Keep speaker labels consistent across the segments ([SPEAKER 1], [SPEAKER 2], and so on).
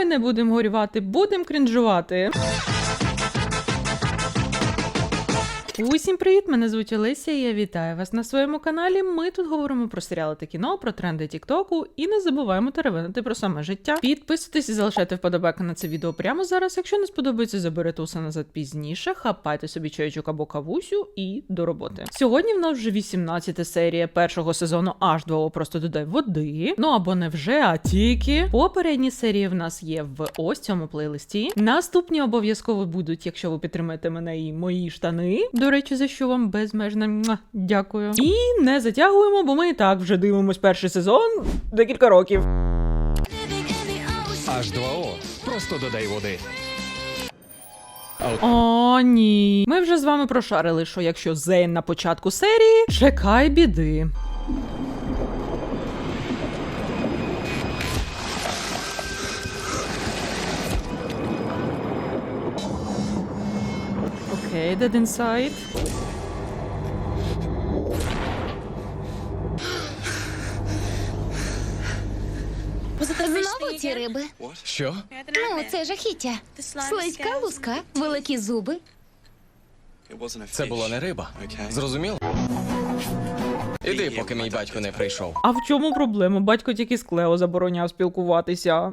[SPEAKER 1] не будемо горювати, будемо крінжувати. Усім привіт, мене звуть Олеся і я вітаю вас на своєму каналі. Ми тут говоримо про серіали та кіно, про тренди тіктоку і не забуваємо теревенити про саме життя. Підписуйтесь і залишайте вподобайки на це відео прямо зараз. Якщо не сподобається, заберете усе назад пізніше, хапайте собі чайчик або кавусю і до роботи. Сьогодні в нас вже 18 серія першого сезону H2O «Просто додай води». Ну або не вже, а тільки. Попередні серії в нас є в ось цьому плейлисті. Наступні обов'язково будуть, якщо ви підтримаєте мене і мої штани. До речі, за що вам безмежне дякую. І не затягуємо, бо ми і так вже дивимось перший сезон декілька років.
[SPEAKER 2] H2O. Просто додай води.
[SPEAKER 1] О, ні. Ми вже з вами прошарили, що якщо Зейн на початку серії, чекай біди. Окей, dead inside.
[SPEAKER 3] Знову ці риби.
[SPEAKER 2] Що?
[SPEAKER 3] Ну, це жахіття. Слизька луска, великі зуби.
[SPEAKER 2] Це була не риба. Зрозуміло? Іди, поки мій батько не прийшов.
[SPEAKER 1] А в чому проблема? Батько тільки з Клео забороняв спілкуватися.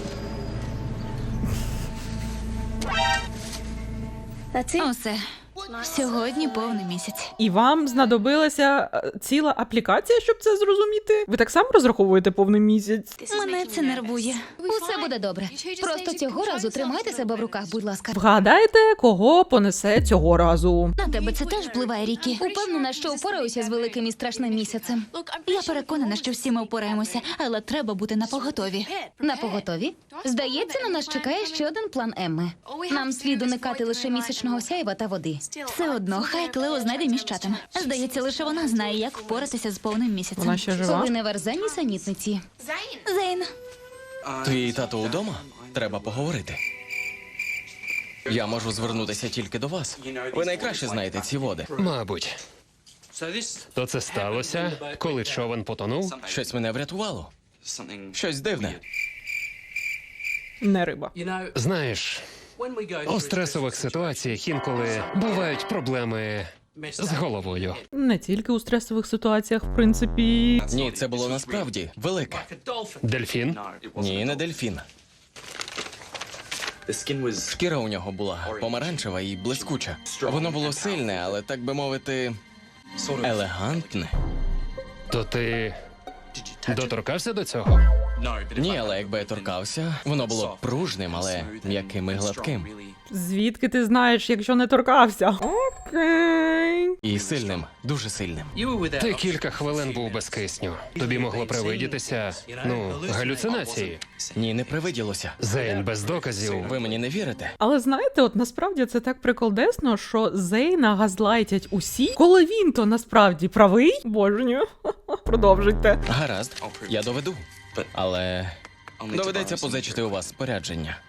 [SPEAKER 3] Усе. Сьогодні повний місяць.
[SPEAKER 1] І вам знадобилася ціла аплікація, щоб це зрозуміти? Ви так само розраховуєте повний місяць?
[SPEAKER 3] Мене це нервує. Усе буде добре. Просто цього разу тримайте себе в руках, будь ласка.
[SPEAKER 1] Вгадайте, кого понесе цього разу.
[SPEAKER 3] На тебе це теж впливає, Рікі. Упевнена, що впораюся з великим і страшним місяцем. Я переконана, що всі ми впораємося, але треба бути напоготові. Напоготові? Здається, на нас чекає ще один план Емми. Нам слід уникати лише місячного сяйва та води. Все одно, хай Клео знайде міщатим. Здається, лише вона знає, як впоратися з повним місяцем.
[SPEAKER 1] Вона ще жива?
[SPEAKER 3] Коли не верзені самітниці. Зейн.
[SPEAKER 2] Твій тато удома? Треба поговорити. Я можу звернутися тільки до вас. Ви найкраще знаєте ці води.
[SPEAKER 4] Мабуть. То це сталося, коли човен потонув?
[SPEAKER 2] Щось мене врятувало. Щось дивне.
[SPEAKER 1] Не риба.
[SPEAKER 4] Знаєш, у стресових ситуаціях інколи бувають проблеми з головою.
[SPEAKER 1] Не тільки у стресових ситуаціях, в принципі.
[SPEAKER 2] Ні, це було насправді велике.
[SPEAKER 4] Дельфін?
[SPEAKER 2] Ні, не дельфін. Шкіра у нього була помаранчева і блискуча. Воно було сильне, але, так би мовити, елегантне.
[SPEAKER 4] То ти доторкався до цього?
[SPEAKER 2] Ні, але якби я торкався, воно було б пружним, але м'яким і гладким.
[SPEAKER 1] Звідки ти знаєш, якщо не торкався? Окей.
[SPEAKER 2] І сильним, дуже сильним.
[SPEAKER 4] Ти кілька хвилин був без кисню. Тобі могло привидітися, галюцинації.
[SPEAKER 2] Ні, не привиділося.
[SPEAKER 4] Зейн без доказів.
[SPEAKER 2] Ви мені не вірите?
[SPEAKER 1] Але знаєте, от насправді це так приколдесно, що Зейна газлайтять усі, коли він то насправді правий. Божню. Продовжуйте.
[SPEAKER 2] Гаразд, я доведу. Але доведеться позичити у вас спорядження.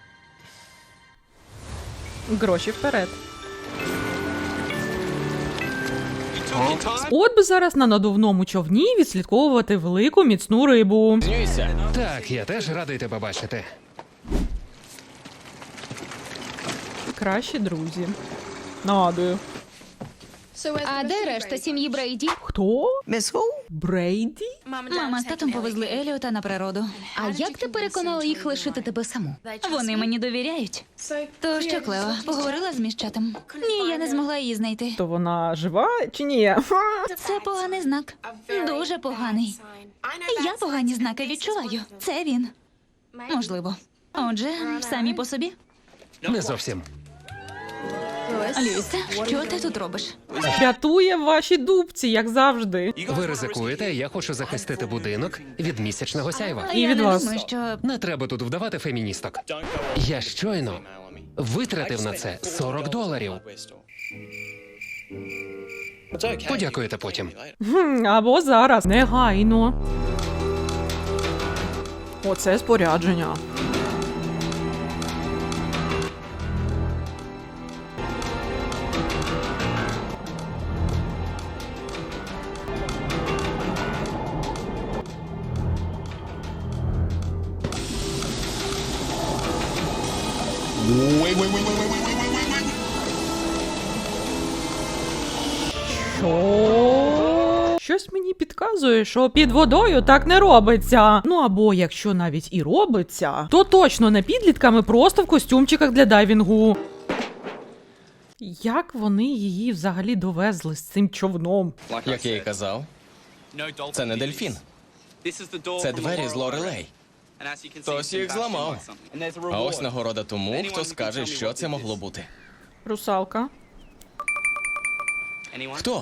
[SPEAKER 1] Гроші вперед. От би зараз на надувному човні відслідковувати велику міцну рибу.
[SPEAKER 2] Знюйся.
[SPEAKER 4] Так, я теж радий тебе бачити.
[SPEAKER 1] Кращі друзі. Нагадую.
[SPEAKER 3] А де решта сім'ї Брейді?
[SPEAKER 1] Хто? Брейді?
[SPEAKER 3] Мама з татом повезли Еліота на природу. А як ти переконала їх лишити тебе саму? Вони мені довіряють. То що, Клео, поговорила з міщатим? Ні, я не змогла її знайти.
[SPEAKER 1] То вона жива чи ні?
[SPEAKER 3] Це поганий знак. Дуже поганий. Я погані знаки відчуваю. Це він. Можливо. Отже, самі по собі.
[SPEAKER 4] Не зовсім.
[SPEAKER 3] Люїсе, що ти тут робиш?
[SPEAKER 1] Рятує ваші дубці, як завжди.
[SPEAKER 4] Ви ризикуєте, я хочу захистити будинок від місячного сяйва.
[SPEAKER 1] І
[SPEAKER 3] Я
[SPEAKER 1] від
[SPEAKER 3] не
[SPEAKER 1] вас.
[SPEAKER 3] думаю, що...
[SPEAKER 4] Не треба тут вдавати феміністок. Я щойно витратив на це $40. Подякуєте потім.
[SPEAKER 1] Або зараз. Негайно. Оце спорядження. Що? Щось мені підказує, що під водою так не робиться. Ну або якщо навіть і робиться, то точно не підлітками, просто в костюмчиках для дайвінгу. Як вони її взагалі довезли з цим човном?
[SPEAKER 2] Як я і казав, це не дельфін. Це двері з Лорелей. Хтось їх зламав. А ось нагорода тому, хто скаже, що це могло бути.
[SPEAKER 1] Русалка.
[SPEAKER 2] Хто?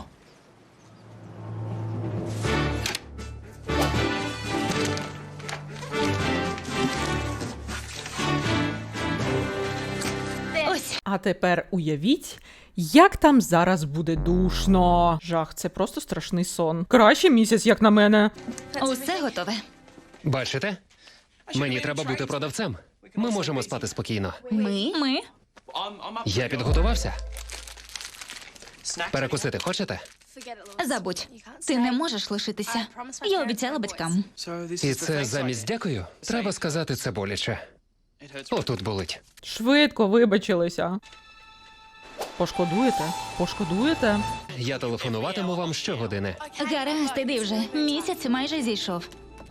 [SPEAKER 3] Ось.
[SPEAKER 1] А тепер уявіть, як там зараз буде душно. Жах, це просто страшний сон. Краще місяць, як на мене.
[SPEAKER 3] Усе готове.
[SPEAKER 4] Бачите? Мені треба бути продавцем. Ми можемо спати спокійно.
[SPEAKER 3] Ми?
[SPEAKER 4] Я підготувався. Перекусити хочете?
[SPEAKER 3] Забудь. Ти не можеш лишитися. Я обіцяла батькам.
[SPEAKER 4] І це замість дякую? Треба сказати, це боляче. Отут болить.
[SPEAKER 1] Швидко вибачилися. Пошкодуєте? Пошкодуєте?
[SPEAKER 4] Я телефонуватиму вам щогодини.
[SPEAKER 3] Гаразд, іди вже. Місяць майже зійшов.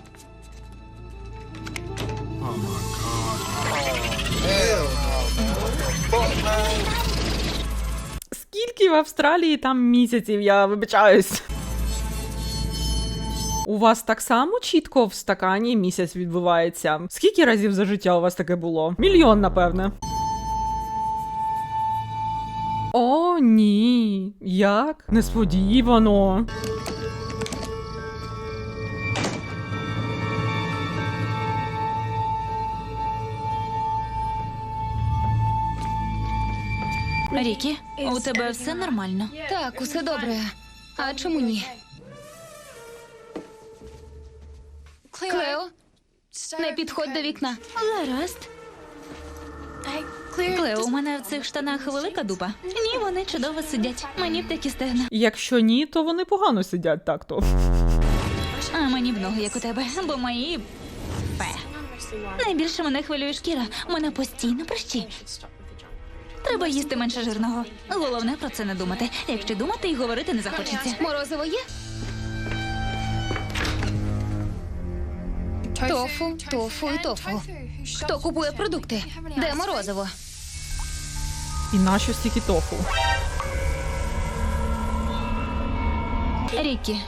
[SPEAKER 1] Скільки в Австралії там місяців, я вибачаюсь. У вас так само чітко в стакані місяць відбувається? Скільки разів за життя у вас таке було? Мільйон, напевне. О, ні. Як? Несподівано.
[SPEAKER 3] Рікі, у тебе все нормально? Так, усе добре. А чому ні? Клео, не підходь до вікна. Гаразд. Клео, у мене в цих штанах велика дупа. Ні, вони чудово сидять. Мені б такі стегна.
[SPEAKER 1] Якщо ні, то вони погано сидять так-то.
[SPEAKER 3] А мені б ноги, як у тебе, бо мої... Пе. Найбільше мене хвилює шкіра. У мене постійно прищі. Треба їсти менше жирного. Головне про це не думати. Якщо думати і говорити не захочеться. Морозиво є? Тофу, тофу і тофу. Хто купує продукти? Де морозиво?
[SPEAKER 1] І нащо стільки тофу?
[SPEAKER 3] Рікі,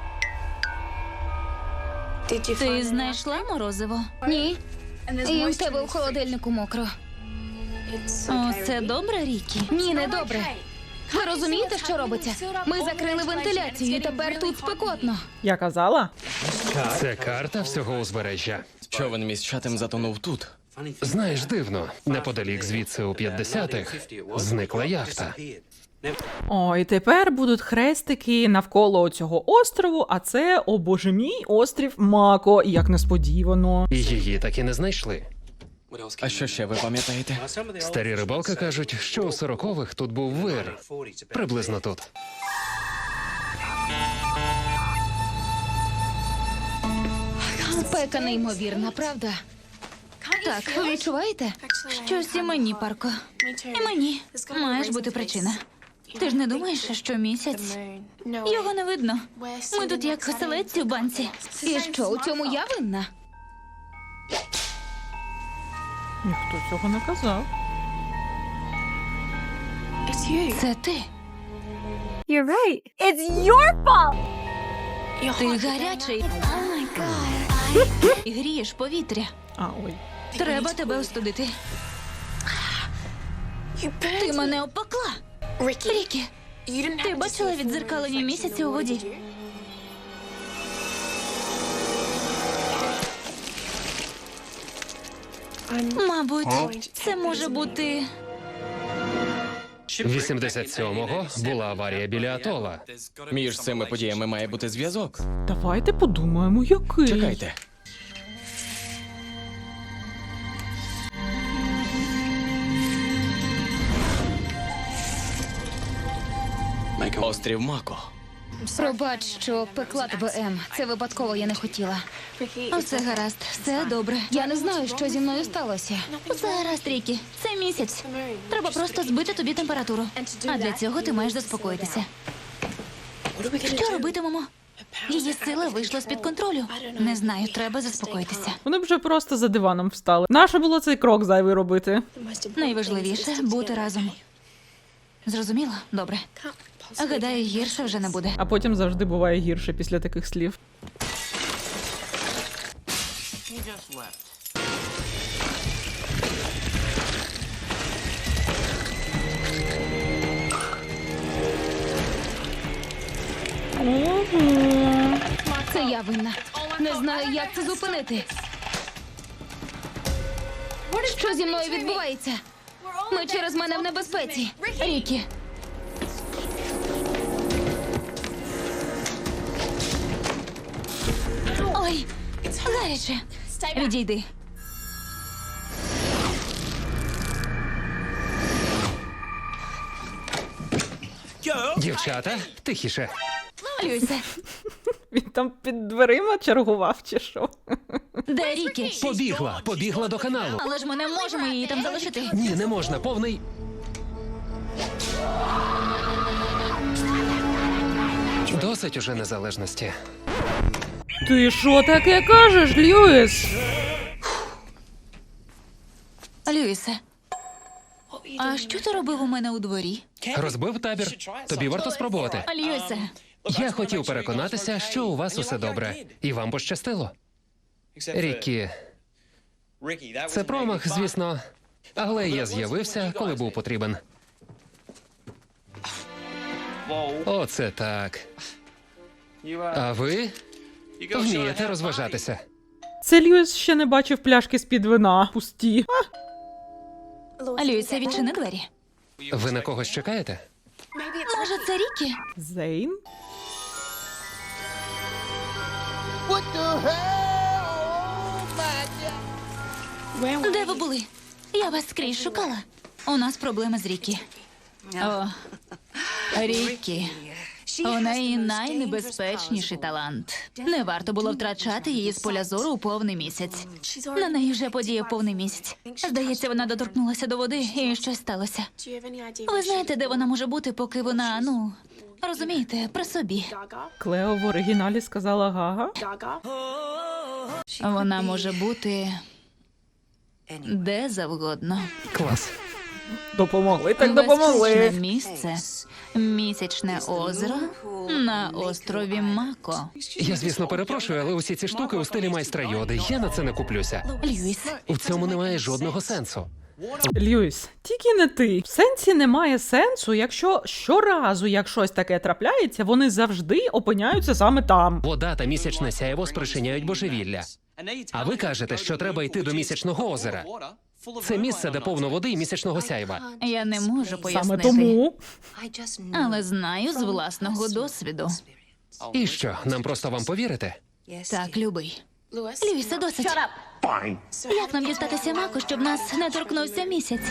[SPEAKER 3] ти знайшла морозиво? Ні. І в тебе в холодильнику мокро. О, це добре, Рікі? Ні, не добре. Ви розумієте, що робиться? Ми закрили вентиляцію, і тепер тут спекотно.
[SPEAKER 1] Я казала?
[SPEAKER 4] Це карта всього узбережжя.
[SPEAKER 2] Човен міщатим затонув тут.
[SPEAKER 4] Знаєш, дивно, неподалік звідси у 50-х зникла яхта.
[SPEAKER 1] Ой, тепер будуть хрестики навколо цього острову, а це, о боже мій, острів Мако, як несподівано.
[SPEAKER 4] І її так і не знайшли.
[SPEAKER 2] А що ще ви пам'ятаєте?
[SPEAKER 4] Старі рибалки кажуть, що у 40-х тут був вир. Приблизно тут.
[SPEAKER 3] Спека неймовірна, правда? Так, ви відчуваєте? Щось і мені, Парко. І мені. Маєш бути причина. Ти ж не думаєш, що місяць? Його не видно. Ми тут як оселедці в банці. І що, у цьому я винна?
[SPEAKER 1] Ніхто цього не казав.
[SPEAKER 3] Це ти.
[SPEAKER 5] You're right. It's your fault.
[SPEAKER 3] Ти гарячий. І грієш повітря.
[SPEAKER 1] А, ой.
[SPEAKER 3] Треба тебе остудити. Ти мене опекла. Рікі, ти бачила віддзеркалення місяця у воді? Мабуть, це може бути...
[SPEAKER 4] 87-го була аварія біля атола.
[SPEAKER 2] Між цими подіями має бути зв'язок.
[SPEAKER 1] Давайте подумаємо, який.
[SPEAKER 2] Чекайте. Острів Мако.
[SPEAKER 3] Пробач, що пекла тебе, Ем. Це випадково, я не хотіла. Все гаразд, все добре. Я не знаю, що зі мною сталося. Все гаразд, Рікі. Це місяць. Треба просто збити тобі температуру. А для цього ти маєш заспокоїтися. Що робитимемо? Її сила вийшла з-під контролю. Не знаю, треба заспокоїтися.
[SPEAKER 1] Вони б вже просто за диваном встали. Нащо було цей крок зайвий робити?
[SPEAKER 3] Найважливіше – бути разом. Зрозуміло? Добре. Гадаю, гірше вже не буде.
[SPEAKER 1] А потім завжди буває гірше після таких слів.
[SPEAKER 3] Це я винна. Не знаю, як це зупинити. Що зі мною відбувається? Ми через мене в небезпеці. Рікі. Ой, гаряче. Відійди.
[SPEAKER 4] Дівчата, тихіше.
[SPEAKER 3] Люйсе,
[SPEAKER 1] Він там під дверима чергував чи що?
[SPEAKER 3] де Рікі?
[SPEAKER 4] Побігла до каналу.
[SPEAKER 3] Але ж ми не можемо її там залишити.
[SPEAKER 4] Ні, не можна, повний. Досить уже незалежності.
[SPEAKER 1] Ти що таке кажеш, Льюіс?
[SPEAKER 3] Люїсе, а що ти робив у мене у дворі?
[SPEAKER 4] Розбив табір. Тобі варто спробувати.
[SPEAKER 3] Люїсе,
[SPEAKER 4] Я хотів переконатися, що у вас усе добре. І вам пощастило. Рікі, це промах, звісно. Але я з'явився, коли був потрібен. Оце так. А ви вмієте розважатися.
[SPEAKER 1] Це Льюіс ще не бачив пляшки з-під вина. Пусті.
[SPEAKER 3] Люїсе, відчини двері.
[SPEAKER 4] Ви на когось чекаєте?
[SPEAKER 3] Може, це Рікі?
[SPEAKER 1] Зейн?
[SPEAKER 3] Де ви були? Я вас скрізь шукала. У нас проблеми з Рікі. О, Рікі. У неї найнебезпечніший талант. Не варто було втрачати її з поля зору у повний місяць. На неї вже подіяв повний місяць. Здається, вона доторкнулася до води і щось сталося. Ви знаєте, де вона може бути, поки вона, розумієте, при собі.
[SPEAKER 1] Клео в оригіналі сказала Гага.
[SPEAKER 3] Вона може бути де завгодно.
[SPEAKER 4] Клас.
[SPEAKER 1] Допомогли, так
[SPEAKER 3] Безпечне
[SPEAKER 1] допомогли.
[SPEAKER 3] місце, місячне озеро на острові Мако.
[SPEAKER 4] Я, звісно, перепрошую, але усі ці штуки у стилі майстра Йоди. Я на це не куплюся.
[SPEAKER 3] Льюіс,
[SPEAKER 4] У цьому немає жодного сенсу.
[SPEAKER 1] Льюіс, тільки не ти. В сенсі немає сенсу, якщо щоразу, як щось таке трапляється, вони завжди опиняються саме там.
[SPEAKER 4] Вода та місячне сяйво спричиняють божевілля. А ви кажете, що треба йти до місячного озера. Це місце, де повно води і місячного сяйва.
[SPEAKER 3] я не можу
[SPEAKER 1] Саме
[SPEAKER 3] пояснити,
[SPEAKER 1] тому.
[SPEAKER 3] але знаю з власного досвіду.
[SPEAKER 4] І що, нам просто вам повірити?
[SPEAKER 3] Так, любий. Льюісе, досить. Як нам дістатися Мако, щоб нас не торкнувся місяць?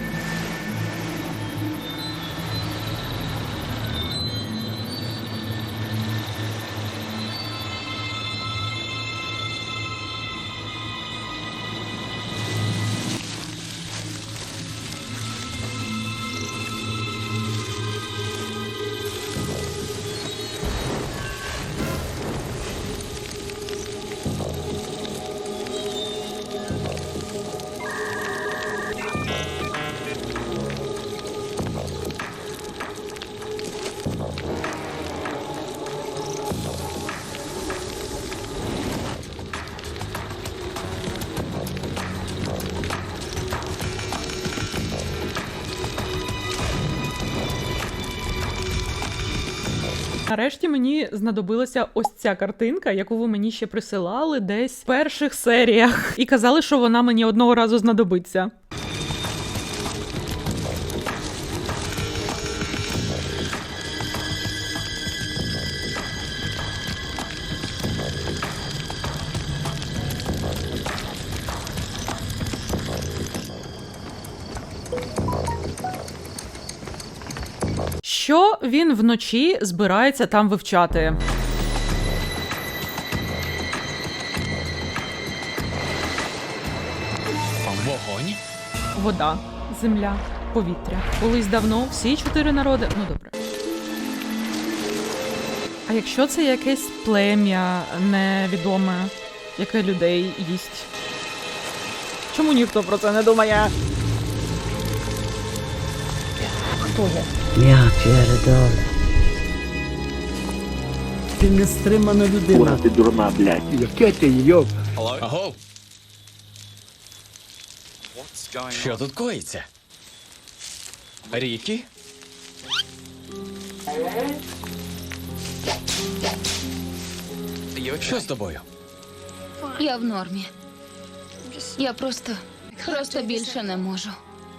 [SPEAKER 1] Нарешті мені знадобилася ось ця картинка, яку ви мені ще присилали десь в перших серіях. І казали, що вона мені одного разу знадобиться. Що він вночі збирається там вивчати?
[SPEAKER 2] Вогонь?
[SPEAKER 1] Вода, земля, повітря. Колись давно всі 4 народи. Ну добре. А якщо це якесь плем'я невідоме, яке людей їсть? Чому ніхто про це не думає? Хто я?
[SPEAKER 6] Я передав.
[SPEAKER 7] Ти нестримана людина.
[SPEAKER 6] Кура, ти дурна, блядь.
[SPEAKER 7] Яке ти йоб?
[SPEAKER 2] Аго! Що тут коїться? Рікі? Що з тобою?
[SPEAKER 3] Я в нормі. Я просто більше не можу.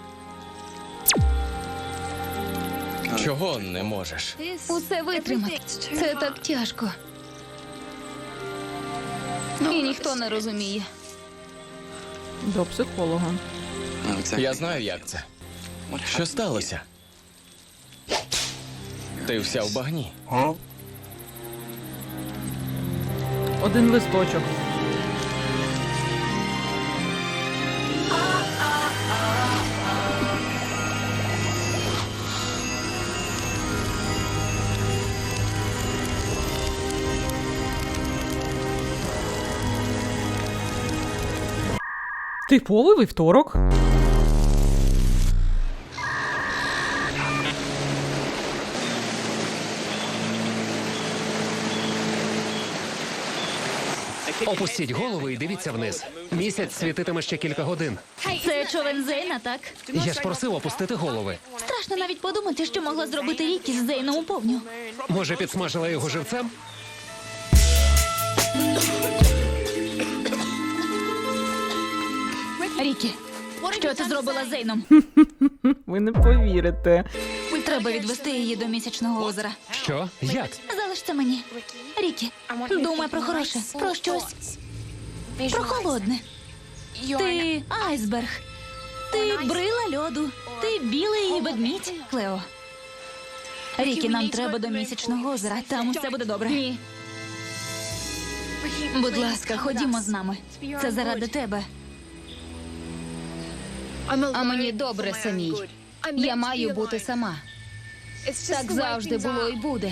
[SPEAKER 2] Чого не можеш?
[SPEAKER 3] Усе витримати. Це так тяжко. І ніхто не розуміє.
[SPEAKER 1] До психолога.
[SPEAKER 2] Я знаю, як це. Що сталося? Ти вся в багні.
[SPEAKER 1] Один листочок. Типовий вівторок.
[SPEAKER 4] Опустіть голови і дивіться вниз. Місяць світитиме ще кілька годин.
[SPEAKER 3] Це човен Зейна, так?
[SPEAKER 4] Я ж просив опустити голови.
[SPEAKER 3] Страшно навіть подумати, що могла зробити Рікі з Зейном у повню.
[SPEAKER 4] Може, підсмажила його живцем?
[SPEAKER 3] Рікі, що ти зробила з Зейном?
[SPEAKER 1] Ви не повірите.
[SPEAKER 3] Треба відвести її до місячного озера.
[SPEAKER 4] Що? Як?
[SPEAKER 3] Залиш це мені. Рікі, думай про хороше, про щось, про холодне. Ти айсберг. Ти брила льоду. Ти білий і ведмідь, Клео. Рікі, нам треба до місячного озера. Там усе буде добре. Ні. Будь ласка, ходімо з нами. Це заради тебе. А мені добре самій. Я маю бути сама. Так завжди було і буде.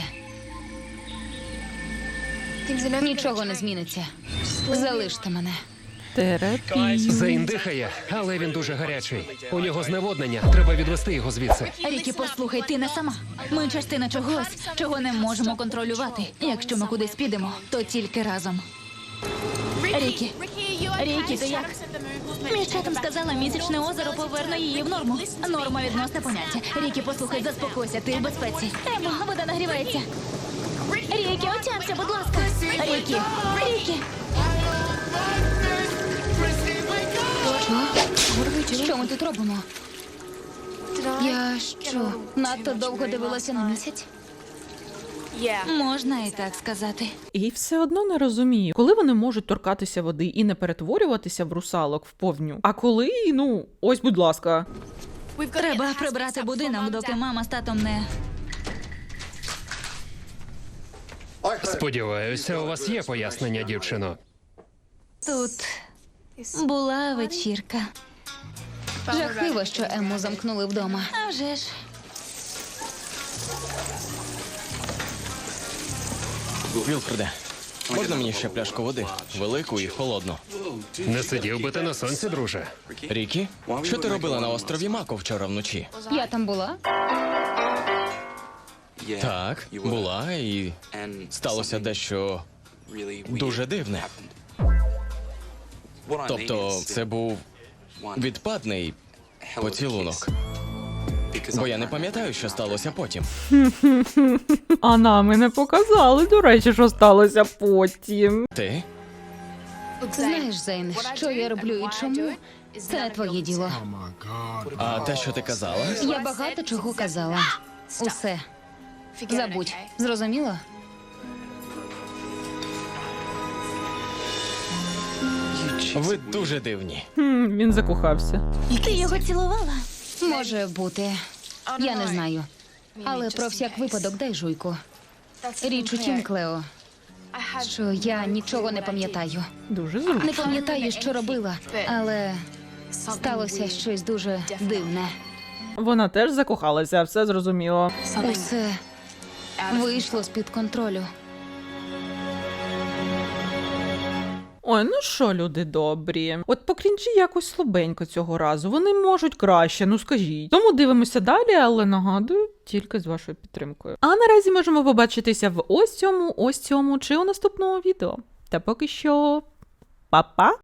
[SPEAKER 3] Нічого не зміниться. Залиште мене.
[SPEAKER 1] Терапія.
[SPEAKER 4] Зейн дихає, але він дуже гарячий. У нього зневоднення. Треба відвести його звідси.
[SPEAKER 3] Рікі, послухай, ти не сама. Ми частина чогось, чого не можемо контролювати. Якщо ми кудись підемо, то тільки разом. Рікі, Рікі, ти як? Між чатом сказала, місячне озеро поверне її в норму. Норма відносне поняття. Рікі, послухай, заспокойся, ти в безпеці. Емо, вода нагрівається. Рікі, отямся, будь ласка. Рікі, Рікі. Що? Що ми тут робимо? Я що, надто довго дивилася на місяць? Можна і так сказати.
[SPEAKER 1] І все одно не розумію, коли вони можуть торкатися води і не перетворюватися в русалок в повню. А коли, ось, будь ласка.
[SPEAKER 3] Треба прибрати будинок, доки мама з татом не...
[SPEAKER 4] Сподіваюся, у вас є пояснення, дівчино.
[SPEAKER 3] Тут була вечірка. Жахливо, що Емму замкнули вдома. А вже ж.
[SPEAKER 2] Вілфреде, можна мені ще пляшку води? Велику і холодну.
[SPEAKER 4] Не сидів би ти на сонці, друже.
[SPEAKER 2] Рікі, що ти робила на острові Мако вчора вночі?
[SPEAKER 3] Я там була?
[SPEAKER 2] Так, була, і сталося дещо дуже дивне. Тобто, це був відпадний поцілунок. Бо я не пам'ятаю, що сталося потім.
[SPEAKER 1] А нам і не показали, до речі, що сталося потім.
[SPEAKER 2] Ти?
[SPEAKER 3] Знаєш, Зейн, що я роблю і чому? Це не твоє діло.
[SPEAKER 2] А те, що ти казала?
[SPEAKER 3] Я багато чого казала. Усе. Забудь. Зрозуміло?
[SPEAKER 2] Ви дуже дивні.
[SPEAKER 1] Він закохався.
[SPEAKER 3] Ти його цілувала? Може бути. Я не знаю. Але про всяк випадок дай жуйку. Річ у тім, Клео, що я нічого не пам'ятаю.
[SPEAKER 1] Дуже
[SPEAKER 3] Не
[SPEAKER 1] зручно.
[SPEAKER 3] пам'ятаю, що робила, але сталося щось дуже дивне.
[SPEAKER 1] Вона теж закохалася, все зрозуміло.
[SPEAKER 3] Усе вийшло з-під контролю.
[SPEAKER 1] Ой, ну що, люди добрі. От по крінжі якось слабенько цього разу. Вони можуть краще, ну скажіть. Тому дивимося далі, але нагадую, тільки з вашою підтримкою. А наразі можемо побачитися в ось цьому чи у наступному відео. Та поки що, па-па!